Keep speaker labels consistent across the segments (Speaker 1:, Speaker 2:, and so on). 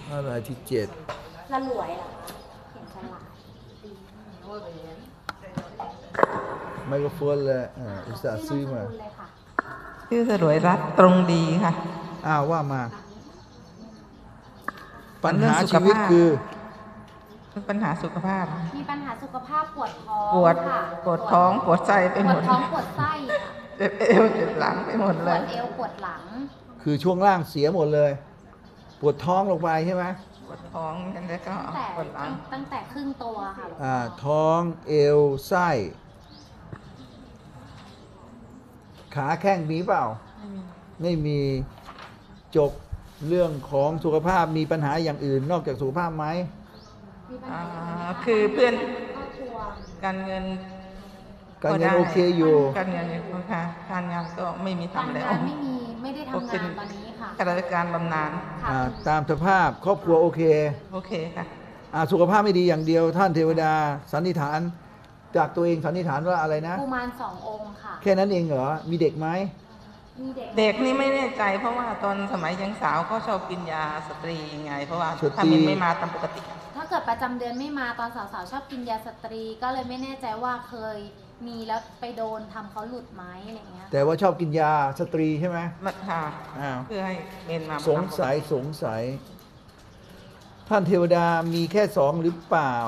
Speaker 1: อะไรที่เจ็ด
Speaker 2: สลวยเหรอเห็นฉลาด
Speaker 1: ไมโครโฟนเลยอุตส่าห์ซื้อมา
Speaker 3: ชื่อสรวยรัตน์ตรงดีค่ะ
Speaker 1: ว่ามาปัญหาชีวิตคือ
Speaker 3: ปัญหาสุขภาพ
Speaker 2: มีปัญหาสุขภาพปวดท้อง
Speaker 3: ปวดท้องปวดไส้ไปหมด
Speaker 2: ปวดท้องปวดไส้
Speaker 3: เจ็บเอวเจ็บหลังไปหมดเลย
Speaker 2: ปวดเอวปวดหลัง
Speaker 1: คือช่วงล่างเสียหมดเลยปวดท้องลงไปใช่ไหม
Speaker 3: ปวดท้องแล้วก็ปวดหลัง
Speaker 2: ตั้งแต่ครึ่งตัวค่ะ
Speaker 1: ท้องเอวไส้ขาแข้งมีเปล่าไม่มีจบเรื่องของสุขภาพมีปัญหาอย่างอื่นนอกจากสุขภาพไหม
Speaker 3: คือเพื่อนการเงิน
Speaker 1: โอเคอยู่
Speaker 3: การเงินค่ะการงานก็ไม่มีทำแล้ว
Speaker 2: ไม่ได้ทำงานตอนนี้ค่ะ
Speaker 3: ข้าราชการบำนาญ
Speaker 1: ตามสภาพครอบครัวโอเค
Speaker 3: ค่ะ
Speaker 1: สุขภาพไม่ดีอย่างเดียวท่านเทวดาสันนิษฐานจากตัวเองสันนิษฐานว่าอะไรนะ
Speaker 2: กุมาร2 องค์ค่ะ
Speaker 1: แค่นั้นเองเหรอมีเด็กไหม
Speaker 2: มี
Speaker 3: เด็กนี่ไม่แน่ใจเพราะว่าตอนสมัยยังสาวก็ชอบกินยาสตรีไงเพราะว่าถ้ามันไม่มาตามปกติ
Speaker 2: ถ้าเกิดประจำเดือนไม่มาตอนสาวๆชอบกินยาสตรีก็เลยไม่แน่ใจว่าเคยมีแล้วไปโดนทำเขาหลุดไหมอะไรเงี้ย
Speaker 1: แต่ว่าชอบกินยาสตรีใช่ไหม
Speaker 3: ค่ะเพื่อให้เมนมา
Speaker 1: สงสัยท่านเทวดามีแค่2หรือเปล่า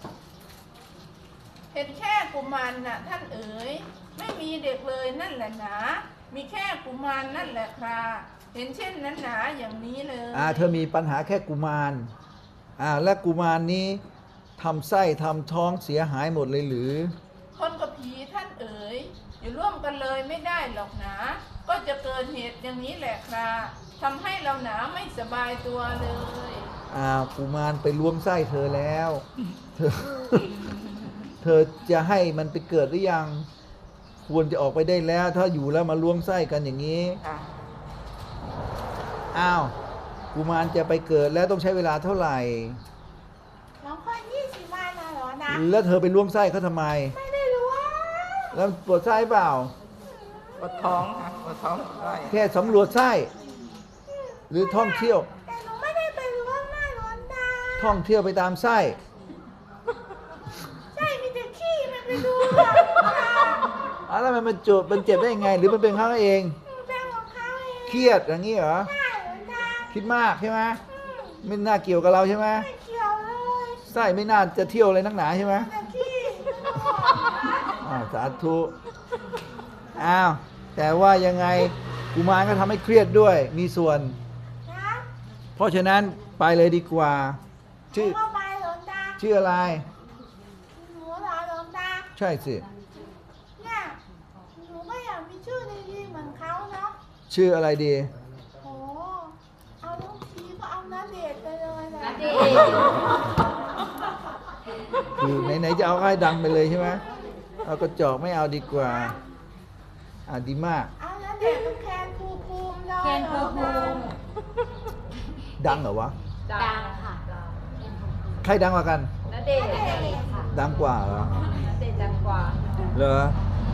Speaker 4: เห็นแค่กุมารน่ะท่านเอ๋ยไม่มีเด็กเลยนั่นแหละหนามีแค่กุมารนั่นแหละคราเห็นเช่นนั้นหนาอย่างนี้เลย
Speaker 1: เธอมีปัญหาแค่กุมารและกุมารนี้ทำไส้ทำท้องเสียหายหมดเลยหรือ
Speaker 4: คนกับผีท่านเอ๋ยอยู่ร่วมกันเลยไม่ได้หรอกหนาก็จะเกิดเหตุอย่างนี้แหละคราทำให้เราหนาไม่สบายตัวเลย
Speaker 1: กุมารไปล้วงไส้เธอแล้วเธอจะให้มันไปเกิดหรือยังควรจะออกไปได้แล้วถ้าอยู่แล้วมาล้วงไส้กันอย่างนี้กุมารจะไปเกิดแล้วต้องใช้เวลาเท่าไหร่
Speaker 4: น้องพ่อ20 วันเหรอนะ
Speaker 1: แล้วเธอไปล้วงไส้เขาทำไม
Speaker 4: ไม่ได้รู้
Speaker 1: แล้วปวดไส้เปล่า
Speaker 3: ปวดท้องค่ะปวดท้อง
Speaker 1: แค่สำรวจไส้หรือท่องเที่ยว
Speaker 4: แต่หนูไม่ได้ไปล้วงหน้าร้อนตา
Speaker 1: ท่องเที่ยวไปตามไส้
Speaker 4: ใช่มีแต่ขี้มันไปดู
Speaker 1: แล้วมันเจ็บได้ยังไงหรือมันเป็นเขาเอง
Speaker 4: เป็นของเขาเอง
Speaker 1: เครียดอย่างนี้เหรอ
Speaker 4: ใช่
Speaker 1: คิดมากใช่ไหมไม่น่าเกี่ยวกับเราใช่ไหม
Speaker 4: ไม่เกี่ยวเลย
Speaker 1: ไส้ไม่น่าจะเที่ยวอะไรนักหนาใช่ไหมสาธุแต่ว่ายังไงกุมารก็ทำให้เครียดด้วยมีส่วนเพราะฉะนั้นไปเลยดีกว่าชื่ออะไร
Speaker 4: หนูเหรอหลวงตา
Speaker 1: ใช่สิ
Speaker 4: เนี่ยหนูก็อยากมีชื่อดีๆเหมือนเขาเนาะ
Speaker 1: ชื่ออะไรดี
Speaker 4: เอาลูกทีก็เอาณเดชน์ไปเลยนะ
Speaker 1: คือไหนๆจะเอาให้ดังไปเลยใช่ไหมเอากระจอกไม่เอาดีกว่าดีมาก
Speaker 4: เอาณเดชน์กับแคนภูมิเลย
Speaker 2: แคนภูมิ
Speaker 1: ดังเหรอวะ
Speaker 2: ดังค่ะ
Speaker 1: ใครดังกว่ากัน
Speaker 2: ณเดชน์ค่ะ
Speaker 1: ดังกว่าเหรอ
Speaker 2: ณเดชน์ดังกว่า
Speaker 1: เหรอ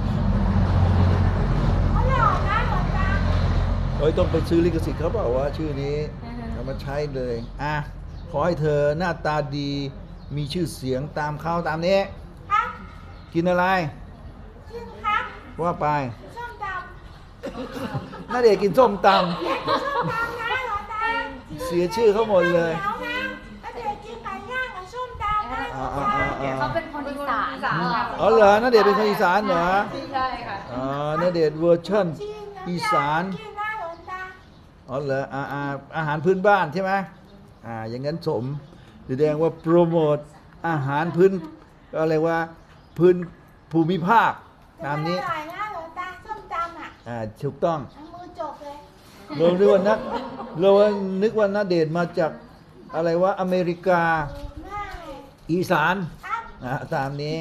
Speaker 4: เขาหล่อนะหลวงตา
Speaker 1: ต้องไปซื้อลิขสิทธิ์เขาเปล่าว่าชื่อนี้เอามาใช้เลยขอให้เธอหน้าตาดีมีชื่อเสียงตามเขาตามนี้กินอะไร
Speaker 4: กินครับ
Speaker 1: ว่าไป
Speaker 4: ส้มต
Speaker 1: ำน่าเด็กกินส้มตำ
Speaker 4: ส้มตำนะหลวงตา
Speaker 1: เสียชื่อเขาหมดเลย
Speaker 4: ณเดชน์กินไก่ย่างกับส้มตำนะ
Speaker 2: เขาเป็นคนอีสาน
Speaker 1: เหรอณเดชน์เป็นคนอีสานเหรอ
Speaker 2: ใช่ค่ะ
Speaker 1: ณเดชน์เวอร์ชันอีสานเหรออาหารพื้นบ้านใช่ไหมอย่างนั้นสมแสดงว่าโปรโมทอาหารพื้นอะไรว่าพื้นภูมิภาคตามนี้
Speaker 4: อร่อยนะหลวงตาส้มตำ
Speaker 1: ถูกต้อง
Speaker 4: มือจบเลย
Speaker 1: เรานึกว่าณเดชน์มาจากอะไรว่าอเมริกาอีสานตามนี้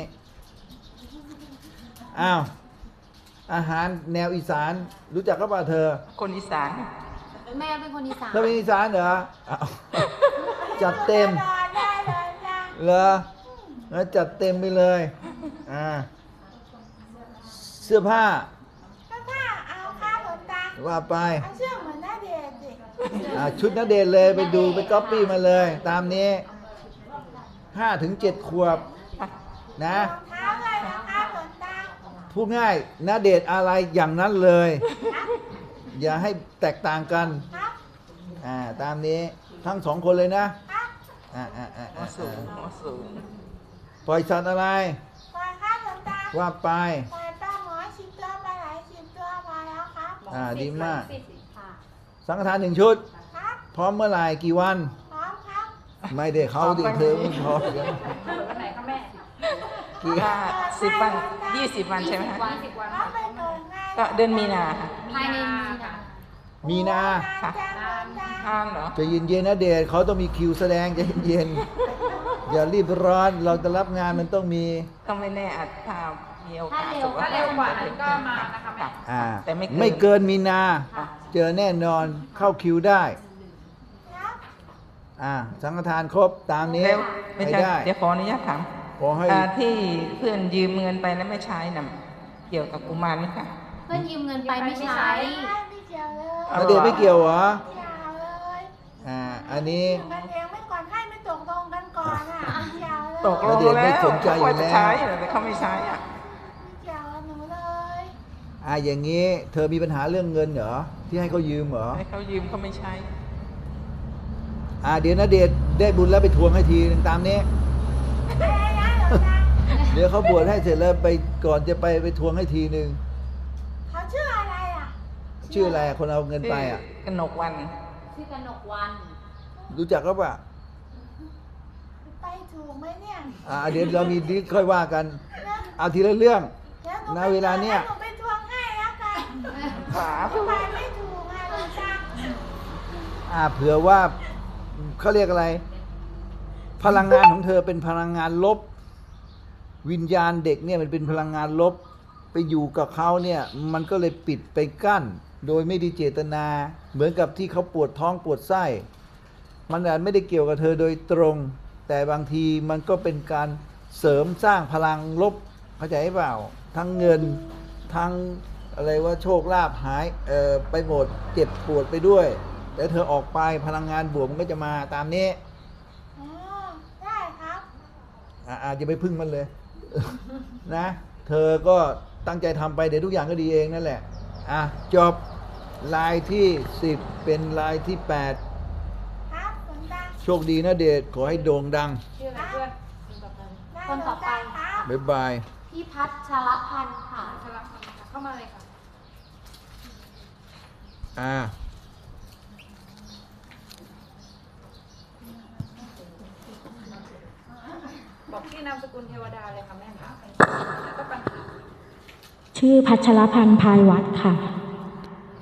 Speaker 1: อาหารแนวอีสานรู้จักก็ป่ะเธอ
Speaker 3: คนอีสาน
Speaker 2: แม่เป็นคนอีสาน
Speaker 1: เธอเป็นอีสานเหรอจัดเต็มเหรอจัดเต็มไปเลยเสื้อผ้า
Speaker 4: เอาค่ะหลวงตา
Speaker 1: ว่าไป
Speaker 4: เอาเสื้อเหมือนณเดชน์สิ
Speaker 1: ชุดณเดชน์เลยไปดูไปก๊อปปี้มาเลย ตามนี้5 ถึง 7 ขวบนะ
Speaker 5: เท้าเลยนะครับหลวงตา
Speaker 1: พูดง่ายณเดชน์อะไรอย่างนั้นเลย อย่าให้แตกต่างกัน
Speaker 5: ครับ
Speaker 1: ตามนี้ทั้ง2 คนเลยนะครับ
Speaker 3: หัวสูงหัวสูง
Speaker 1: ปล่อยสัตว์อะไร
Speaker 5: ปล่อยครับหลวงตา
Speaker 1: ว่าไป
Speaker 5: ปล่อยปลาหมอ10 ตัวปลาไหล10 ตัวพอแล้วครับ
Speaker 1: ดีมาก
Speaker 2: ค่ะ
Speaker 1: สังฆทาน1 ชุด
Speaker 5: ครับ
Speaker 1: พร้อมเมื่อไหร่กี่วัน
Speaker 5: พร้อมครับ
Speaker 1: ไม่ได้เขาดิเธอไม่พร้อมกัน
Speaker 2: วันไหนคะแม่
Speaker 1: กี่
Speaker 3: ก็10 วัน 20 วันใช่ไหมคะ
Speaker 2: วัน10 วัน
Speaker 5: เขาไปเกิดงาน
Speaker 3: ก็เดือนมีนาค่ะ
Speaker 2: ภายในมีนา
Speaker 1: มีนา
Speaker 5: จ้าหลวงตา
Speaker 3: ห้ามเหรอ
Speaker 1: ใจะเย็นๆนะเดชเขาต้องมีคิวแสดงใจะเย็นๆอย่ารีบร้อนเราจะรับงานมันต้องมี
Speaker 3: ก็ไม่แน่อาจถ้ามีโอกาส
Speaker 2: ถ้าเร็วกว่านั้นก็มานะคะแม่
Speaker 3: แต่ไม่
Speaker 1: ไม่เกินมีนา
Speaker 2: ค่ะ
Speaker 1: เจอแน่นอนเข้าคิวได้
Speaker 5: ครับ
Speaker 1: สังฆทานครบตามนี้
Speaker 3: แล้วไม่
Speaker 1: ไม่
Speaker 3: ใช่
Speaker 1: ได้
Speaker 3: เดี๋ยวขออนุญาตถาม
Speaker 1: ขอให้
Speaker 3: ที่เพื่อนยืมเงินไปแล้วไม่ใช้น่ะเกี่ยวกับกุมารไหมคะ
Speaker 2: เพื่อนยืมเงินไปไม่ใช้
Speaker 5: ไม่เกี่ยวเลย
Speaker 1: ณเดชน์ไม่เกี่ยวเหรอ
Speaker 5: เกี่ยวเลย
Speaker 1: อันนี้
Speaker 5: กันเองไม่ก่อนให้ไม่ตกลงกันก่อนอ่ะไม่เกี่ยวเลย
Speaker 3: ตกลง
Speaker 1: ณเดชน์ไม่
Speaker 3: แล้ว
Speaker 1: สนใจอยู่
Speaker 3: เขาว่าจะ
Speaker 1: แล้ว
Speaker 3: ใช้แต่เขาไม่ใช้อ่ะ
Speaker 5: ไม่เกี่ยวกับหนูเลย
Speaker 1: อย่างนี้ เธอมีปัญหาเรื่องเงินเหรอที่ให้เขายืมเหรอ
Speaker 3: ให้เขายืมเขาไม่ใช้
Speaker 1: เดี๋ยวณเดชน์ได้บุญแล้วไปทวงให้ทีนึงตามนี้
Speaker 5: อะไรนะหลวงตา
Speaker 1: เดี๋ยวเขาบวชให้เสร็จแล้วไปก่อนจะไปทวงให้ทีนึง
Speaker 5: เขาชื่ออะไรอ่ะ
Speaker 1: ชื่ออะไรคนเอาเงินไป
Speaker 3: กนกวัน
Speaker 2: ชื่อกนกวัน
Speaker 1: รู้จักก็ปล่า
Speaker 5: ไปถูกไหมเนี่ย
Speaker 1: เดี๋ยวเรามีดิสค่อยว่ากัน
Speaker 5: นะ
Speaker 1: เอาทีละเรื่อง
Speaker 5: ดี๋ยวหนู
Speaker 1: ณเวลาเนี้ย
Speaker 5: หนูไปทวงให้แล้วกัน
Speaker 3: ขา
Speaker 5: ไปไม่ถูกอ่ะหลวงตา
Speaker 1: เผื่อว่าเขาเรียกอะไร พลังงานของเธอเป็นพลังงานลบ วิญญาณเด็กเนี่ยมันเป็นพลังงานลบ ไปอยู่กับเขาเนี่ยมันก็เลยปิดไปกั้น โดยไม่ได้เจตนา เหมือนกับที่เขาปวดท้องปวดไส้ มันอาจไม่ได้เกี่ยวกับเธอโดยตรง แต่บางทีมันก็เป็นการเสริมสร้างพลังลบเข้าใจเปล่า ทั้งเงินทั้งอะไรว่าโชคลาภหายไปหมดเจ็บปวดไปด้วย แต่เธอออกไปพลังงานบวกมันก็จะมาตามนี้
Speaker 5: อ๋อได้ครับ
Speaker 1: อย่าไปพึ่งมันเลย นะ เธอก็ตั้งใจทำไปเดี๋ยวทุกอย่างก็ดีเองนั่นแหละจบลายที่ 10 เป็นลายที่
Speaker 5: ครับหลวงตา
Speaker 1: 8 โชคดีนะเดชขอให้โด่งดัง
Speaker 2: ชื่ออะไรเพื่อน
Speaker 5: ได้
Speaker 2: คนต่อไป
Speaker 5: หลวงตาครับ
Speaker 1: บ๊ายบาย
Speaker 2: พี่พัชรพันธ์ค่ะเข้ามาเลยค่ะ
Speaker 6: บอกที่นามสกุลเทวดาเลยค่ะแม่ค่ะ
Speaker 7: ชื่อพัชรพันธ์พายวัดค่ะ